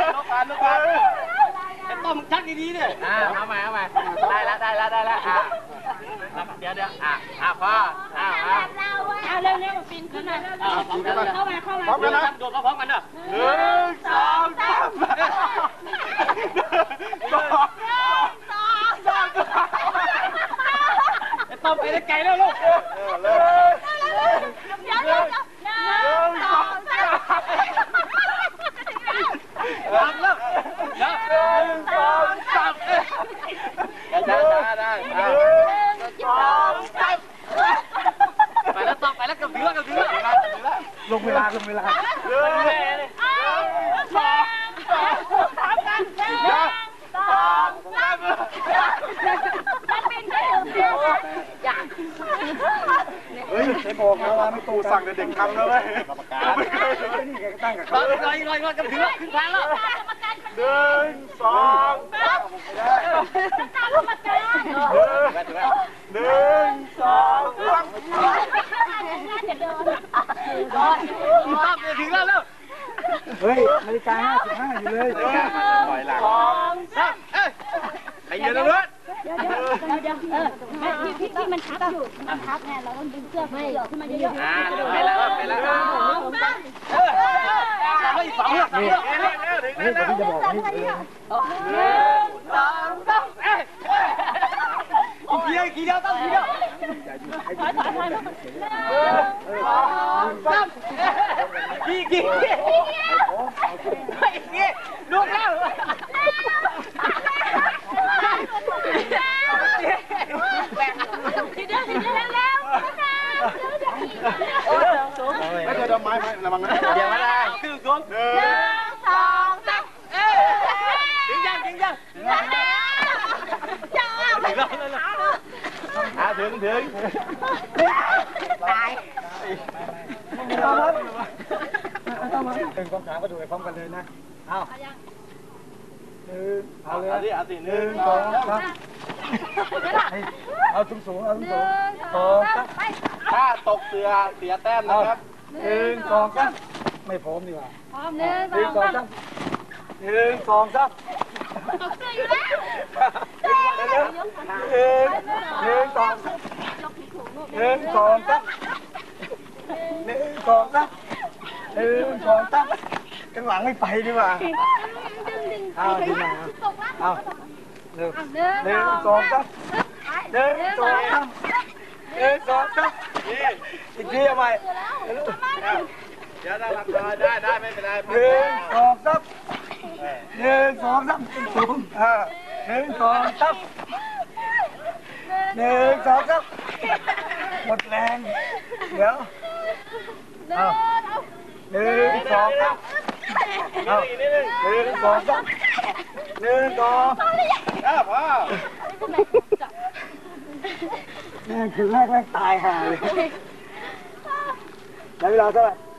ต้มชักดีๆเนี่ยเอาใหม่ได้แล้วเดี๋ยวพอเร็วๆปีนขึ้นมาเข้ามาพร้อมกันนะโดดพร้อมกันเด้อ 1 2 3 ต้มไปได้ไกลแล้วลูกเดี๋ยวไปแล้วเกือบถึงแล้วลงเวลาเฮ้ยไอ้บอกนะว่าไม่ตูสั่งแต่เด็กทำนะเว้ยไม่เคยนี่แกตั้งกับเขาลอยกับถึงแล้วขึ้นทางแล้ว 1 2 ถึงแล้วเฮ้ยนาฬิกา55อยู่เลยปล่อยหลังไปเยอะแล้วด้วยที่มันทับอยู่ไงเราต้องดึงเสื้อไม่หยอกขึ้นมาเยอะๆไปแล้วอีก2 นี่นี่ผมจะบอกนี่ 1 2 3กี่เดียวต้องกี่เดียวกี่ลูกแล้วไม่เคยทำไม้ระวังนะเดี๋ยวมาได้ขึ้นสูง 1 2 3 ถึงยังถึงตายเป็นกองขาก็ดูไปพร้อมกันเลยนะเอาเอาเลย1 2 3เอาสูงถ้าตกเสือเสียแต้มนะครับ 1 2 3ไม่พร้อมดีกว่าพร้อม1 2 3 1 2 3 ตกเสื้ออยู่แล้ว 1 2 ข้างหลังไม่ไปดีกว่าเอาดีมาเอา1 2 3อีกทีเอาใหม่เดี๋ยวได้ไม่เป็นไร 1 2 3สูง1 2 3หมดแรงเดี๋ยวเอา1 2 3เอา1 2 3พ่อแม่คือแรกตายห่าเลยแล้วเวลาเท่าไหร่